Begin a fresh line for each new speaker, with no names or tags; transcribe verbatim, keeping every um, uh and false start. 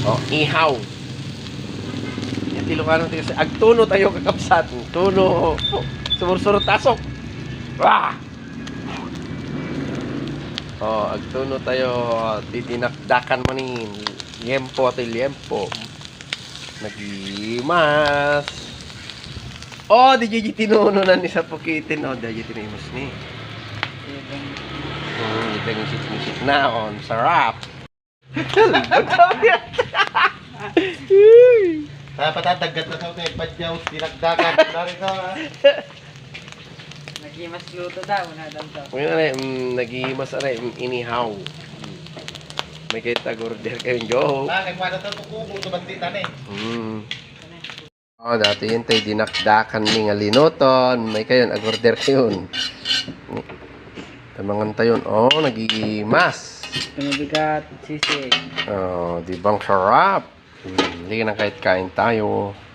Oh, ihaw. Yan Ilocano tayo sa agtuno tayo kakapsat. Tuno. Oh, sumursurot tasok. Wah! Oh, agtuno tayo titinakdakan mo ni liempo at liempo. Nagimas. Oh, di jay tinuno na ni sa pukitin. Oh, di jay tinimos ni. Hmm, ito yung sit-sit na on. Sarap.
Dapat tatagat na sa mga badyaw, tinagdagan. Dari ka.
Nagimas luto daw, nadan to.
Ngayon na mm, nagimas na rin, inihaw. May kayo tag-order kayong joke.
Bakit pa na ito tukubong tumantitan eh.
Hmm. Oh, dati yun tayo dinakdakan ni nga linuton. May kayo, nag-order kayo. Tamangan tayo. Oh, nagimas.
Tumabigat, sisig.
Oh, di bang sarap? Hmm, hindi na kahit kain tayo.